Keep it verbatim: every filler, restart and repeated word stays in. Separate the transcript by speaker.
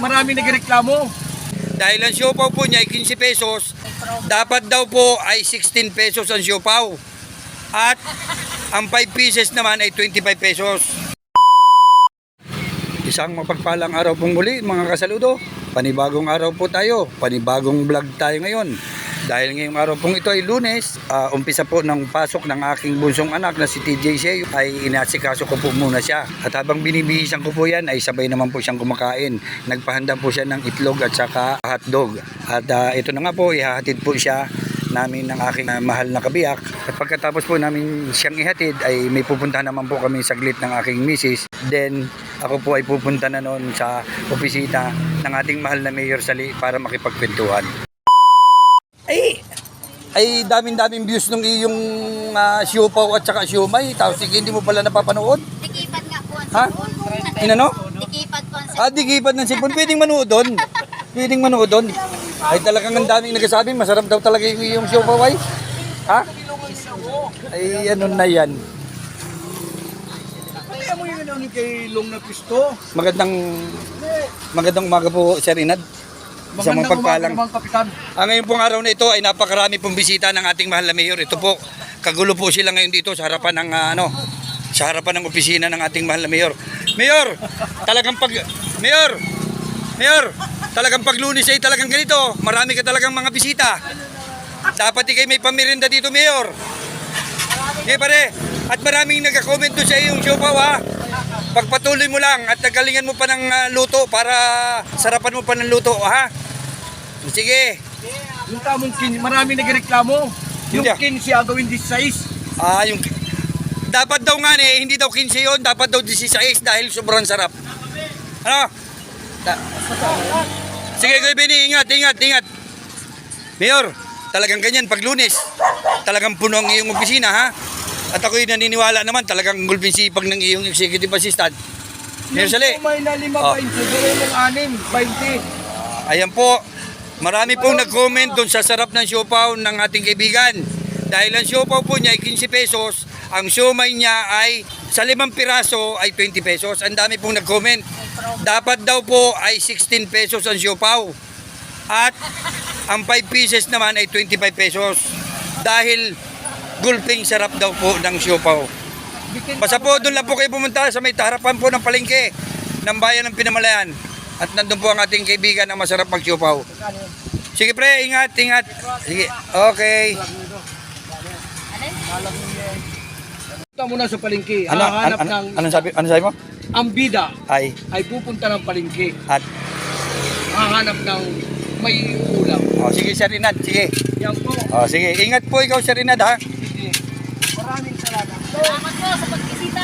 Speaker 1: marami nagreklamo.
Speaker 2: Dahil ang siopaw po niya ay quince pesos, dapat daw po ay sixteen pesos ang siopaw. At ang five pieces naman ay twenty-five pesos. Isang mapagpalang araw pong muli mga kasaludo. Panibagong araw po tayo, panibagong vlog tayo ngayon. Dahil ngayong araw pong ito ay Lunes, uh, umpisa po ng pasok ng aking bunsong anak na si T J Seo, ay inasikaso ko po muna siya. At habang binibihisan ko po yan, ay sabay naman po siyang kumakain. Nagpahanda po siya ng itlog at saka hotdog. At uh, ito na nga po, ihahatid po siya namin ng aking uh, mahal na kabiyak. At pagkatapos po namin siyang ihatid, ay may pupunta naman po kami saglit ng aking misis. Then ako po ay pupunta na noon sa opisina ng ating mahal na Mayor Sali para makipagkwentuhan. Ay, ay daming-daming views nung iyong uh, siopaw at saka siomay. Tapos hindi mo pala napapanood?
Speaker 3: Dikipad nga po ang
Speaker 2: Ha?
Speaker 3: cellphone.
Speaker 2: Inano?
Speaker 3: Dikipad po ang
Speaker 2: Ah, dikipad ng cellphone. Pwedeng manood doon. Pwedeng manood doon. Ay talagang ang daming nagsasabi, masarap daw talaga yung iyong siopaw ay. Ha? Ay ano na yan.
Speaker 1: Kaya mo yung ano kay Long na pisto.
Speaker 2: Magandang magandang umaga po, Sir Inad. Isang
Speaker 1: Magandang
Speaker 2: mapagpalang.
Speaker 1: umaga, Kapitan.
Speaker 2: Ah, ngayon pong araw na ito ay napakarami pong bisita ng ating mahal na mayor. Ito po, kagulo po sila ngayon dito sa harapan ng uh, ano, sa harapan ng opisina ng ating mahal na mayor. Mayor, talagang pag Mayor, Mayor, talagang pag Lunes ay talagang ganito. Marami ka talagang mga bisita. Dapat ikay may pamirinda dito, Mayor. Okay, pare. At maraming nagka-comment doon sa iyong siopaw ha. Pagpatuloy mo lang at nagalingan mo pa ng uh, luto para sarapan mo pa ng luto ha. Sige.
Speaker 1: Yung tamong kin, marami nagreklamo. Yung
Speaker 2: Hindi.
Speaker 1: kin siya gawin sixteen.
Speaker 2: Ah, yung dapat daw nga eh, hindi daw quince yun, dapat daw sixteen dahil sobrang sarap. Ano? Da- Sige, Kuya Benny, ingat, ingat, ingat. Mayor, talagang ganyan pag Lunes. Talagang puno ang iyong opisina ha. At ako'y naniniwala naman talagang gulping sipag ng iyong executive assistant. Mayor Sali.
Speaker 1: May na lima
Speaker 2: Oh.
Speaker 1: pa siguro yung anim, twenty.
Speaker 2: Ayan po, marami pong nag-comment doon sa sarap ng siopaw ng ating kaibigan. Dahil ang siopaw po niya ay quince pesos, ang siomay niya ay sa limang piraso ay twenty pesos. Ang dami pong nag-comment. Dapat daw po ay sixteen pesos ang siopaw. At ang five pieces naman ay twenty-five pesos. Dahil gulping sarap daw po ng siopaw. Basta po doon lang po kayo pumunta sa may harapan po ng palengke ng bayan ng Pinamalayan. At nandun po ang ating kaibigan ang masarap mag-siopaw. Sige pre, ingat, ingat. Sige, okay.
Speaker 1: Punta muna sa palengke.
Speaker 2: Ano, ano,
Speaker 1: Hahanap
Speaker 2: ano,
Speaker 1: ng
Speaker 2: ano sabi, ano sabi mo?
Speaker 1: ang bida
Speaker 2: Ay,
Speaker 1: ay pupunta ng palengke.
Speaker 2: at,
Speaker 1: Hahanap ng may ulam.
Speaker 2: oh, sige Sir Inad, sige.
Speaker 1: Yan po.
Speaker 2: Oh, sige, ingat po ikaw Sir Inad ha.
Speaker 1: Sige. Maraming salamat.
Speaker 3: Salamat po sa pag